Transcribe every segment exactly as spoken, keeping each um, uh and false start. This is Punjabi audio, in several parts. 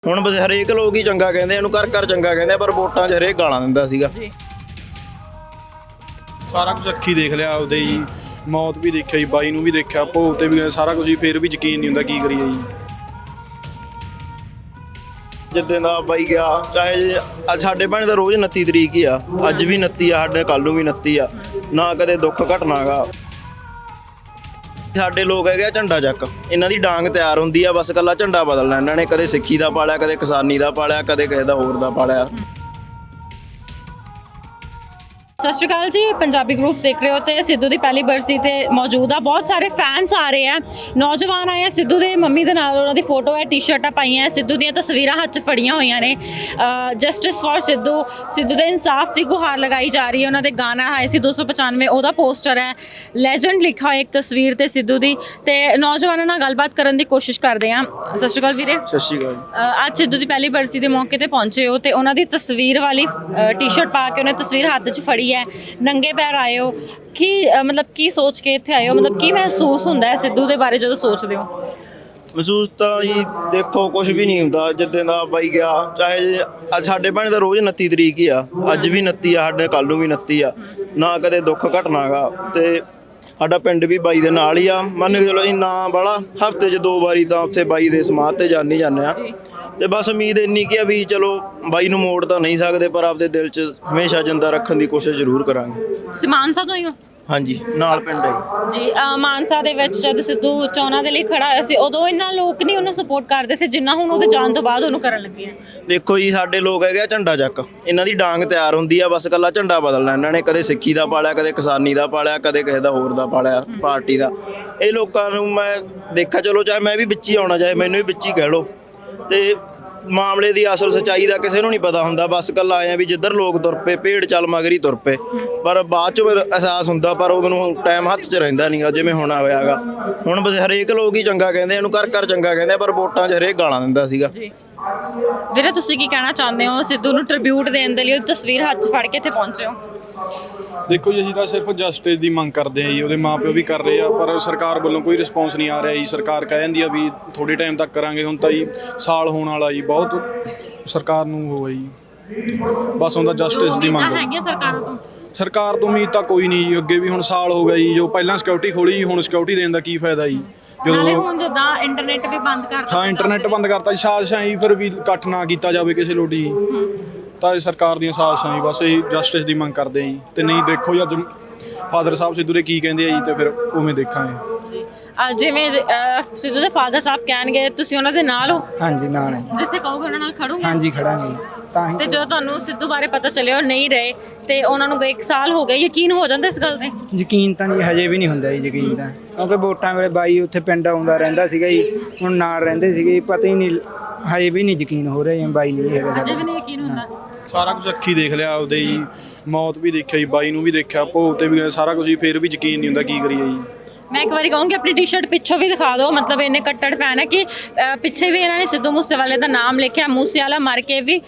ਹੁਣ ਬਸ ਹਰੇਕ ਲੋਕ ਹੀ ਚੰਗਾ ਕਹਿੰਦੇ, ਇਹਨੂੰ ਕਰ ਕਰ ਚੰਗਾ ਕਹਿੰਦੇ, ਪਰ ਵੋਟਾਂ 'ਚ ਹਰੇਕ ਗਾਲਾਂ ਦਿੰਦਾ ਸੀਗਾ। ਸਾਰਾ ਕੁਝ ਅੱਖੀ ਦੇਖ ਲਿਆ ਆਪਦੇ ਜੀ, ਮੌਤ ਵੀ ਦੇਖਿਆ ਜੀ, ਬਾਈ ਨੂੰ ਵੀ ਦੇਖਿਆ, ਭੋਗ ਤੇ ਵੀ ਸਾਰਾ ਕੁਝ ਹੀ, ਫਿਰ ਵੀ ਯਕੀਨ ਨਹੀਂ ਹੁੰਦਾ, ਕੀ ਕਰੀਏ ਜੀ। ਜਿੱਦਾਂ ਦਾ ਬਾਈ ਗਿਆ, ਚਾਹੇ ਅੱਜ ਸਾਡੇ ਭਾਣੇ ਦਾ ਰੋਜ਼ ਉਨੱਤੀ ਤਰੀਕ ਹੀ ਆ, ਅੱਜ ਵੀ ਉਨੱਤੀ ਆ, ਸਾਡੇ ਕੱਲ੍ਹ ਨੂੰ ਵੀ ਉਨੱਤੀ ਆ, ਨਾ ਕਦੇ ਦੁੱਖ ਘਟਨਾ ਗਾ। ਸਾਡੇ ਲੋਕ ਹੈਗੇ ਆ ਝੰਡਾ ਚੱਕ, ਇਹਨਾਂ ਦੀ ਡਾਂਗ ਤਿਆਰ ਹੁੰਦੀ ਆ, ਬਸ ਇਕੱਲਾ ਝੰਡਾ ਬਦਲਣਾ ਇਹਨਾਂ ਨੇ, ਕਦੇ ਸਿੱਖੀ ਦਾ ਪਾਲਿਆ, ਕਦੇ ਕਿਸਾਨੀ ਦਾ ਪਾਲਿਆ, ਕਦੇ ਕਿਸੇ ਦਾ ਹੋਰ ਦਾ ਪਾਲਿਆ। ਸਤਿ ਸ਼੍ਰੀ ਅਕਾਲ ਜੀ, ਪੰਜਾਬੀ ਗਰੁੱਪਸ ਦੇਖ ਰਹੇ ਹੋ ਤੇ ਸਿੱਧੂ ਦੀ ਪਹਿਲੀ ਬਰਸੀ ਤੇ ਮੌਜੂਦ ਆ। ਬਹੁਤ ਸਾਰੇ ਫੈਨਸ ਆ ਰਹੇ ਆ, ਨੌਜਵਾਨ ਆਏ ਆ। ਸਿੱਧੂ ਦੇ ਮੰਮੀ ਦੇ ਨਾਲ ਉਹਨਾਂ ਦੀ ਫੋਟੋ ਹੈ, ਟੀ-ਸ਼ਰਟਾਂ ਪਾਈਆਂ, ਸਿੱਧੂ ਦੀਆਂ ਤਸਵੀਰਾਂ ਹੱਥ 'ਚ ਫੜੀਆਂ ਹੋਈਆਂ ਨੇ। ਜਸਟਿਸ ਫॉर ਸਿੱਧੂ, ਸਿੱਧੂ ਦੇ ਇਨਸਾਫ ਦੀ ਗੁਹਾਰ ਲਗਾਈ ਜਾ ਰਹੀ ਹੈ। ਉਹਨਾਂ ਦੇ ਗਾਣਾ ਆਏ ਸੀ ਦੋ ਸੌ ਪਚਾਨਵੇਂ, ਉਹਦਾ ਪੋਸਟਰ ਹੈ, ਲੈਜੈਂਡ ਲਿਖਾ ਹੋਇਆ ਇੱਕ ਤਸਵੀਰ ਤੇ ਸਿੱਧੂ ਦੀ। ਤੇ ਨੌਜਵਾਨਾਂ ਨਾਲ ਗੱਲਬਾਤ ਕਰਨ ਦੀ ਕੋਸ਼ਿਸ਼ ਕਰਦੇ ਆ। ਸਤਿ ਸ਼੍ਰੀ ਅਕਾਲ ਵੀਰੇ। ਸਤਿ ਸ਼੍ਰੀ ਅਕਾਲ। ਅ, ਅੱਜ ਸਿੱਧੂ ਦੀ ਪਹਿਲੀ ਬਰਸੀ ਦੇ ਮੌਕੇ ਤੇ ਪਹੁੰਚੇ ਹੋ ਤੇ ਉਹਨਾਂ ਦੀ ਤਸਵੀਰ ਵਾਲੀ ਟੀ-ਸ਼ਰਟ ਪਾ ਕੇ ਉਹਨੇ ਤਸਵੀਰ ਹੱਥ 'ਚ ਫੜੀ ਹੈ, ਨੰਗੇ ਪੈਰ ਆਏ ਹੋ। ਕੀ ਅ, ਮਤਲਬ ਕੀ ਸੋਚ ਕੇ ਇੱਥੇ ਆਏ ਹੋ? ਮਤਲਬ ਕੀ ਮਹਿਸੂਸ ਹੁੰਦਾ ਹੈ ਸਿੱਧੂ ਦੇ ਬਾਰੇ ਜਦੋਂ ਸੋਚਦੇ ਹੋ? ਮਹਿਸੂਸ ਤਾਂ ਜੀ ਦੇਖੋ ਕੁਝ ਵੀ ਨਹੀਂ ਹੁੰਦਾ। ਜਿੱਦਾਂ ਦਾ ਬਾਈ ਗਿਆ, ਚਾਹੇ ਅੱਜ ਸਾਡੇ ਭਾਣੇ ਦਾ ਰੋਜ਼ ਉਨੱਤੀ ਤਰੀਕ ਹੀ ਆ, ਅੱਜ ਵੀ ਉਨੱਤੀ ਆ, ਸਾਡੇ ਕੱਲ੍ਹ ਨੂੰ ਵੀ ਉਨੱਤੀ ਆ, ਨਾ ਕਦੇ ਦੁੱਖ ਘਟਨਾ ਗਾ। ਤੇ ਸਾਡਾ ਪਿੰਡ ਵੀ ਬਾਈ ਦੇ ਨਾਲ ਹੀ ਆ, ਮੰਨ ਕੇ ਚਲੋ ਜੀ, ਨਾ ਬਾਹਲਾ ਹਫ਼ਤੇ 'ਚ ਦੋ ਵਾਰੀ ਤਾਂ ਉੱਥੇ ਬਾਈ ਦੇ ਸਮਾਧ ਤੇ ਜਾਂਦੇ ਜਾਂਦੇ ਆ। ਤੇ ਬਸ ਉਮੀਦ ਇੰਨੀ ਕੀ ਆ ਵੀ ਚਲੋ ਬਾਈ ਨੂੰ ਮੋੜ ਤਾਂ ਨਹੀਂ ਸਕਦੇ, ਪਰ ਆਪਦੇ ਦਿਲ 'ਚ ਹਮੇਸ਼ਾ ਜਿੰਦਾ ਰੱਖਣ ਦੀ ਕੋਸ਼ਿਸ਼ ਜ਼ਰੂਰ ਕਰਾਂਗੇ। ਤੁਸੀਂ ਮਾਨਸਾ ਤੋਂ ਹੀ ਹੋ? ਹਾਂਜੀ, ਨਾਲ ਪਿੰਡ ਹੈ ਜੀ। ਅ, ਮਾਨਸਾ ਦੇ ਵਿੱਚ ਜਦ ਸਿੱਧੂ ਚੋਣਾਂ ਦੇ ਲਈ ਖੜਾ ਹੋਇਆ ਸੀ, ਉਦੋਂ ਇੰਨਾ ਲੋਕ ਨਹੀਂ ਉਹਨੂੰ ਸਪੋਰਟ ਕਰਦੇ ਸੀ ਜਿੰਨਾ ਹੁਣ ਉਹਦੇ ਜਾਣ ਤੋਂ ਬਾਅਦ ਉਹਨੂੰ ਕਰਨ ਲੱਗੇ ਆ। ਦੇਖੋ ਜੀ, ਸਾਡੇ ਲੋਕ ਹੈਗੇ ਆ ਝੰਡਾ ਚੱਕ, ਇਹਨਾਂ ਦੀ ਡਾਂਗ ਤਿਆਰ ਹੁੰਦੀ ਆ, ਬਸ ਇਕੱਲਾ ਝੰਡਾ ਬਦਲਣਾ ਇਹਨਾਂ ਨੇ, ਕਦੇ ਸਿੱਖੀ ਦਾ ਪਾਲਿਆ, ਕਦੇ ਕਿਸਾਨੀ ਦਾ ਪਾਲਿਆ, ਕਦੇ ਕਿਸੇ ਦਾ ਹੋਰ ਦਾ ਪਾਲਿਆ, ਪਾਰਟੀ ਦਾ। ਇਹ ਲੋਕਾਂ ਨੂੰ ਮੈਂ ਦੇਖਿਆ, ਚਲੋ ਚਾਹੇ ਮੈਂ ਵੀ ਵਿੱਚ ਹੀ ਆਉਣਾ, ਚਾਹੇ ਮੈਨੂੰ ਵੀ ਵਿੱਚ ਹੀ ਕਹਿ ਲਓ, ਤੇ ਮਾਮਲੇ ਦੀ ਅਸਲ ਸੱਚਾਈ ਦਾ ਕਿਸੇ ਨੂੰ ਨਹੀਂ ਪਤਾ ਹੁੰਦਾ। ਬਸ ਇਕੱਲਾ ਆਏ ਆ ਵੀ ਜਿੱਧਰ ਲੋਕ ਤੁਰ ਪਏ, ਭੇਡ ਚੱਲ ਮਗਰ ਹੀ ਤੁਰ ਪਏ, ਪਰ ਬਾਅਦ 'ਚ ਫਿਰ ਅਹਿਸਾਸ ਹੁੰਦਾ, ਪਰ ਉਦੋਂ ਨੂੰ ਟਾਈਮ ਹੱਥ 'ਚ ਰਹਿੰਦਾ ਨਹੀਂ ਗਾ, ਜਿਵੇਂ ਹੁਣ ਹੋਇਆ ਗਾ। ਹੁਣ ਬਸ ਹਰੇਕ ਲੋਕ ਹੀ ਚੰਗਾ ਕਹਿੰਦੇ, ਇਹਨੂੰ ਕਰ ਕਰ ਚੰਗਾ ਕਹਿੰਦੇ, ਪਰ ਵੋਟਾਂ 'ਚ ਹਰੇਕ ਗਾਲਾਂ ਦਿੰਦਾ ਸੀਗਾ। ਵੀਰੇ ਤੁਸੀਂ ਕੀ ਕਹਿਣਾ ਚਾਹੁੰਦੇ ਹੋ? ਸਿੱਧੂ ਨੂੰ ਟ੍ਰਿਬਿਊਟ ਦੇਣ ਦੇ ਲਈ ਉਹ ਤਸਵੀਰ ਹੱਥ 'ਚ ਫੜ ਕੇ ਇੱਥੇ ਪਹੁੰਚੇ ਹੋ। ਦੇਖੋ ਜੀ, ਅਸੀਂ ਤਾਂ ਸਿਰਫ ਜਸਟਿਸ ਦੀ ਮੰਗ ਕਰਦੇ ਹਾਂ ਜੀ, ਉਹਦੇ ਮਾਪਿਓ ਵੀ ਕਰ ਰਹੇ ਆ, ਪਰ ਸਰਕਾਰ ਵੱਲੋਂ ਕੋਈ ਰਿਸਪੌਂਸ ਨਹੀਂ ਆ ਰਿਹਾ ਜੀ। ਸਰਕਾਰ ਕਹਿ ਜਾਂਦੀ ਆ ਵੀ ਥੋੜ੍ਹੇ ਟਾਈਮ ਤੱਕ ਕਰਾਂਗੇ, ਹੁਣ ਤਾਂ ਜੀ ਸਾਲ ਹੋਣ ਵਾਲਾ ਜੀ, ਬਹੁਤ ਸਰਕਾਰ ਨੂੰ ਹੋ ਜੀ, ਬਸ ਹੁੰਦਾ ਜਸਟਿਸ ਦੀ ਮੰਗ। ਹੈਗੀਆਂ ਸਰਕਾਰਾਂ ਤੋਂ? ਸਰਕਾਰ ਤੋਂ ਉਮੀਦ ਤਾਂ ਕੋਈ ਨਹੀਂ ਜੀ, ਅੱਗੇ ਵੀ ਹੁਣ ਸਾਲ ਹੋ ਗਿਆ ਜੀ, ਜੋ ਪਹਿਲਾਂ ਸਿਕਿਉਰਿਟੀ ਖੋਲੀ ਜੀ, ਹੁਣ ਸਿਕਿਉਰਿਟੀ ਦੇਣ ਦਾ ਕੀ ਫਾਇਦਾ ਜੀ, ਨਾਲੇ ਹੁਣ ਜਿੱਦਾਂ ਇੰਟਰਨੈਟ ਵੀ ਬੰਦ ਕਰਤਾ। ਹਾਂ, ਇੰਟਰਨੈਟ ਬੰਦ ਕਰਤਾ ਜੀ, ਸਾਜ਼ਿਸ਼ਾਂ ਜੀ, ਫਿਰ ਵੀ ਇਕੱਠ ਨਾ ਕੀਤਾ ਜਾਵੇ ਕਿਸੇ ਲੋਟੀ ਜੀ, ਤਾਂ ਇਹ ਸਰਕਾਰ ਦੀਆਂ ਸਾਜ਼ਿਸ਼ਾਂ ਜੀ, ਬਸ ਇਹ ਜਸਟਿਸ ਦੀ ਮੰਗ ਕਰਦੇ ਆ ਜੀ। ਤੇ ਨਹੀਂ ਦੇਖੋ ਜੀ, ਅੱਜ ਫਾਦਰ ਸਾਹਿਬ ਸਿੱਧੂ ਦੇ ਕੀ ਕਹਿੰਦੇ ਆ ਜੀ, ਤੇ ਫਿਰ ਉਵੇਂ ਦੇਖਾਂਗੇ ਜੀ। ਅ, ਜਿਵੇਂ ਅ, ਸਿੱਧੂ ਦੇ ਫਾਦਰ ਸਾਹਿਬ ਕਹਿਣਗੇ, ਤੁਸੀਂ ਉਹਨਾਂ ਦੇ ਨਾਲ ਹੋ? ਹਾਂਜੀ, ਨਾਲ ਹੈ। ਜਿੱਥੇ ਕਹੋਗੇ ਉਹਨਾਂ ਨਾਲ ਖੜੋਗੇ? ਹਾਂਜੀ, ਖੜਾਂਗੇ ਤਾਂ ਹੀ। ਤੇ ਜਦੋਂ ਤੁਹਾਨੂੰ ਸਿੱਧੂ ਬਾਰੇ ਪਤਾ ਚੱਲਿਆ ਉਹ ਨਹੀਂ ਰਹੇ ਤੇ ਉਹਨਾਂ ਨੂੰ ਇੱਕ ਸਾਲ ਹੋ ਗਿਆ, ਯਕੀਨ ਹੋ ਜਾਂਦਾ ਇਸ ਗੱਲ ਤੇ? ਯਕੀਨ ਤਾਂ ਨਹੀਂ, ਹਜੇ ਵੀ ਨਹੀਂ ਹੁੰਦਾ ਜੀ ਯਕੀਨ ਤਾਂ, ਕਿਉਂਕਿ ਵੋਟਾਂ ਵੇਲੇ ਬਾਈ ਉੱਥੇ ਪਿੰਡ ਆਉਂਦਾ ਰਹਿੰਦਾ ਸੀਗਾ ਜੀ, ਹੁਣ ਨਾਲ ਰਹਿੰਦੇ ਸੀਗੇ, ਪਤਾ ਹੀ ਨਹੀਂ, ਹਜੇ ਵੀ ਨਹੀਂ ਯਕੀਨ ਹੋ ਰਿਹਾ ਜੀ, ਬਾਈ ਨਹੀਂ ਹੈਗਾ ਅਜੇ ਵੀ ਨਹੀਂ ਯਕੀਨ ਹੁੰਦਾ? ਸਾਰਾ ਕੁਝ ਅੱਖੀ ਦੇਖ ਲਿਆ ਆਪਦੇ ਜੀ, ਮੌਤ ਵੀ ਦੇਖਿਆ ਜੀ, ਬਾਈ ਨੂੰ ਵੀ ਦੇਖਿਆ, ਭੋਗ ਤੇ ਵੀ ਸਾਰਾ ਕੁਝ ਹੀ, ਫਿਰ ਵੀ ਯਕੀਨ ਨਹੀਂ ਹੁੰਦਾ, ਕੀ ਕਰੀਏ ਜੀ। ਮੈਂ ਇੱਕ ਵਾਰੀ ਕਹੂੰਗੀ ਆਪਣੀ ਟੀ-ਸ਼ਰਟ ਪਿੱਛੋਂ ਵੀ ਦਿਖਾ ਦਿਓ, ਮਤਲਬ ਇੰਨੇ ਕੱਟੜ ਫੈਨ ਹੈ ਕਿ ਅ, ਪਿੱਛੇ ਵੀ ਇਹਨਾਂ ਨੇ ਸਿੱਧੂ ਮੂਸੇਵਾਲੇ ਦਾ ਨਾਮ ਲਿਖਿਆ, ਮੂਸੇਵਾਲਾ ਮਰ ਕੇ ਵੀ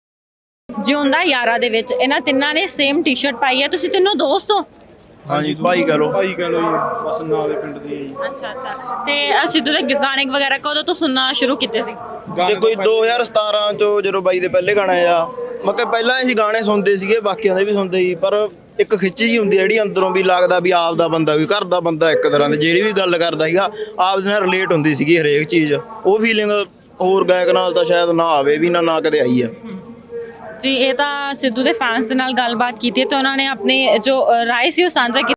ਜਿਉਂਦਾ ਯਾਰਾਂ ਦੇ ਵਿੱਚ। ਇਹਨਾਂ ਤਿੰਨਾਂ ਨੇ ਸੇਮ ਟੀ-ਸ਼ਰਟ ਪਾਈ ਹੈ। ਤੁਸੀਂ ਤਿੰਨੋਂ ਦੋਸਤ ਹੋ? ਹਾਂਜੀ, ਭਾਈ ਕਹ ਲਓ। ਭਾਈ ਕਹ ਲਓ ਜੀ, ਬਸ ਨਾਲ ਦੇ ਪਿੰਡ ਦੀ ਹੈ ਜੀ। ਅੱਛਾ ਅੱਛਾ। ਤੇ ਅ, ਸਿੱਧੂ ਦੇ ਗਾਣੇ ਵਗੈਰਾ ਕਦੋਂ ਤੋਂ ਸੁਣਨਾ ਸ਼ੁਰੂ ਕੀਤੇ ਸੀ? ਤੇ ਕੋਈ ਦੋ ਹਜ਼ਾਰ ਸਤਾਰਾਂ 'ਚੋਂ ਜਦੋਂ ਬਾਈ ਦੇ ਪਹਿਲੇ ਗਾਣੇ ਆ, ਮੈਂ ਕਿਹਾ ਪਹਿਲਾਂ ਅਸੀਂ ਗਾਣੇ ਸੁਣਦੇ ਸੀਗੇ, ਬਾਕੀਆਂ ਦੇ ਵੀ ਸੁਣਦੇ ਸੀ, ਪਰ ਇੱਕ ਖਿੱਚ ਜੀ ਹੁੰਦੀ ਜਿਹੜੀ ਅੰਦਰੋਂ ਵੀ ਲੱਗਦਾ ਵੀ ਆਪ ਦਾ ਬੰਦਾ, ਵੀ ਘਰ ਦਾ ਬੰਦਾ, ਇੱਕ ਤਰ੍ਹਾਂ ਦੇ ਜਿਹੜੀ ਵੀ ਗੱਲ ਕਰਦਾ ਸੀਗਾ ਆਪ ਦੇ ਨਾਲ ਰਿਲੇਟ ਹੁੰਦੀ ਸੀਗੀ ਹਰੇਕ ਚੀਜ਼। ਉਹ ਫੀਲਿੰਗ ਹੋਰ ਗਾਇਕ ਨਾਲ ਤਾਂ ਸ਼ਾਇਦ ਨਾ ਆਵੇ ਵੀ, ਨਾ ਨਾ ਕਦੇ ਆਈ ਆ ਜੀ। ਇਹ ਤਾਂ ਸਿੱਧੂ ਦੇ ਫੈਨਸ ਦੇ ਨਾਲ ਗੱਲਬਾਤ ਕੀਤੀ ਤੇ ਉਹਨਾਂ ਨੇ ਆਪਣੀ ਜੋ ਰਾਏ ਸੀ ਉਹ ਸਾਂਝਾ ਕੀਤੀ।